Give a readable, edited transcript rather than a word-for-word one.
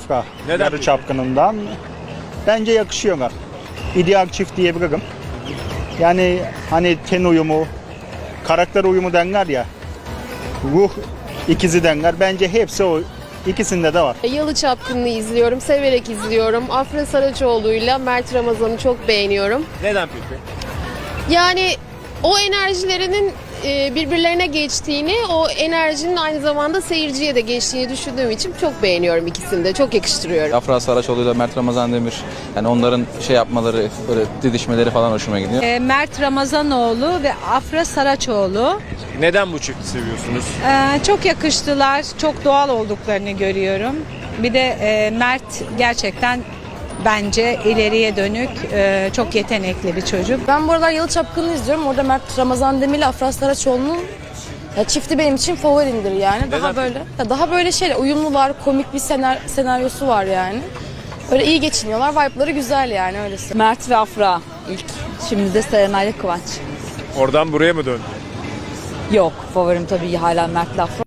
Afra. Neden Yarı peki? Çapkını'ndan. Bence yakışıyorlar. İdeal çift diyebilirim. Yani hani ten uyumu, karakter uyumu denler ya. Ruh ikizi denler. Bence hepsi o. İkisinde de var. Yalı Çapkını'nı izliyorum, severek izliyorum. Afra Saraçoğlu'yla Mert Ramazan'ı çok beğeniyorum. Neden peki? Yani o enerjilerinin birbirlerine geçtiğini, o enerjinin aynı zamanda seyirciye de geçtiğini düşündüğüm için çok beğeniyorum ikisini de. Çok yakıştırıyorum. Afra Saraçoğlu ile Mert Ramazan Demir, yani onların şey yapmaları, böyle didişmeleri falan hoşuma gidiyor. Mert Ramazanoğlu ve Afra Saraçoğlu. Neden bu çifti seviyorsunuz? Çok yakıştılar, çok doğal olduklarını görüyorum. Bir de Mert gerçekten bence ileriye dönük çok yetenekli bir çocuk. Ben bu aralar Yalı Çapkını'nı izliyorum. Orada Mert Ramazan Demir ile Afra Saraçoğlu'nun çifti benim için favorimdir yani. Daha böyle uyumlular, komik bir senaryosu var yani. Öyle iyi geçiniyorlar. Vibe'ları güzel yani öylesi. Mert ve Afra ilk. Şimdi de Serenay ile Kıvanç. Oradan buraya mı döndü? Yok, favorim tabii hala Mert'le Afra.